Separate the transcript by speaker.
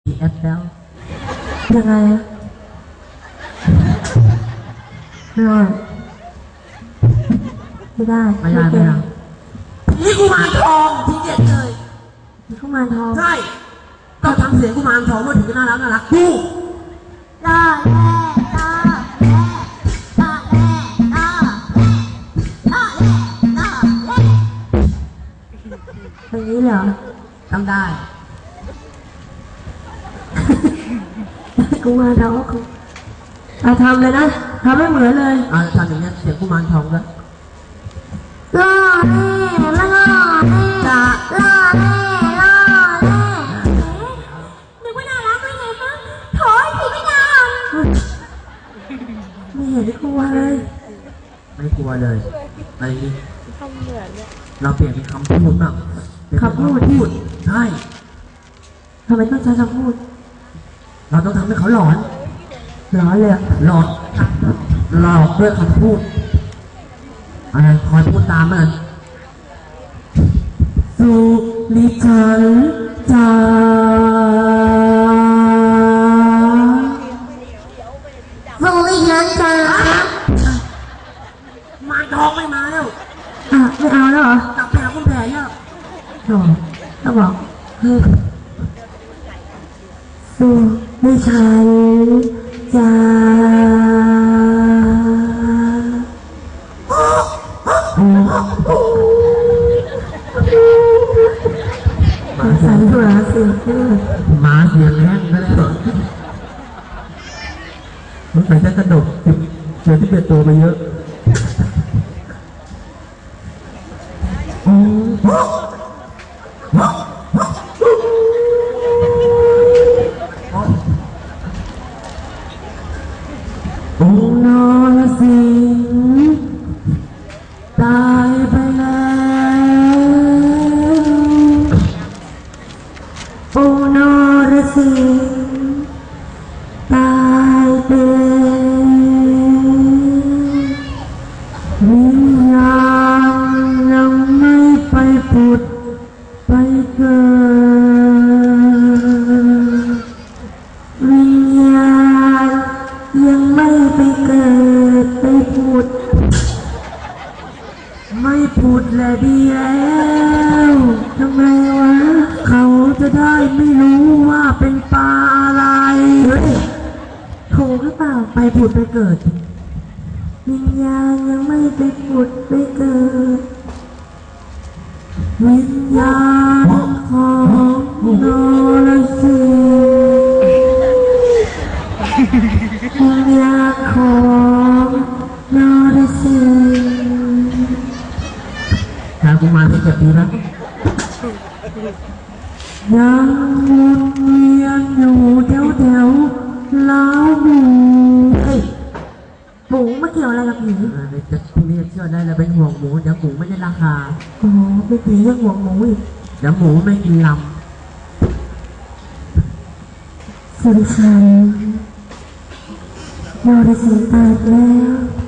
Speaker 1: แอปแล้ว
Speaker 2: ยังไงอะไม่ได้ไม่ได้
Speaker 1: ไม่ได้นี่กุมารทองทีเด็ดเลย
Speaker 2: กุมารทอง
Speaker 1: ใช่ต้องทำเสียงกุมารทองเมื่อถึงจะน่ารักดู
Speaker 2: ล่าแร่ล่าแร่ล่าแร่ล่าแร่ล่าแร่ล่าแร่อย่างนี้เหรอ
Speaker 1: ทำได้
Speaker 2: กุมารทองทำเลยนะทำไม่เหมือนเลย
Speaker 1: ทำอย่างนี้เสียงกุมารทองแล้ว
Speaker 2: ล่าแร่ล่าแร่ล่าแร่ล่าแร่นึกว่าน่ารักได้ไงมั้งโถยผีไม่นานไม่เห็นกลัวเลย
Speaker 1: ไม่กลัวเลยอะไรนี่เราเปลี่ยนเป็นคำพูดบ้าง
Speaker 2: คำพูด
Speaker 1: ใช่
Speaker 2: ทำไมต้องใช้คำพูด
Speaker 1: เราต้องทำให้เขาหลอน
Speaker 2: เลย
Speaker 1: หลอกด้วยคำพูดอะไรคอยพูดตามมัน
Speaker 2: สุริฉันจ้าสุริฉันจ้า
Speaker 1: มาทองไม่มาแล้ว
Speaker 2: ไม่เอาแล้วเหร
Speaker 1: อกลับไปหาคุณแผลแล้ว
Speaker 2: ต้องบอกสุริฉันจ้าสายตัวเสียง
Speaker 1: มาเสียงแห้งก็แล้วมันใส่กระดกเจอที่เป็นตัวมาเยอะ
Speaker 2: องค์นรสิงห์ตายไปแล้วองค์นรสิงห์ตายไปแล้ววิญญาณยังไม่ไปผุดไปเกิดวิญญาณยังไม่ไปเกิดไปผุดไม่ผุดแหละดีแล้วทำไมวะเขาจะได้ไม่รู้ว่าเป็นปลาอะไรถูกหรือเปล่าไปผุดไปเกิดวิญญาณยังไม่ไปผุดไปเกิดวิญญาณของนรสิงห์วิญญาณของนรสิงห์
Speaker 1: หากุมารที่จะดีแล้ว
Speaker 2: ยังวนเวียนอยู่แถวล้าวหมูหมูไม่เกี่ยวอะไรกับผี
Speaker 1: จะพรุ่งนี้เชื่อได้แล้วเป็นห่วงหมูเดี๋ยวหมูไม่ได้ราคา
Speaker 2: อ๋อเป็นผียังห่วงหมูอีก
Speaker 1: เดี๋ยวหมูไม่กินล
Speaker 2: ำสุริชัยนรสิงห์ตายแล้ว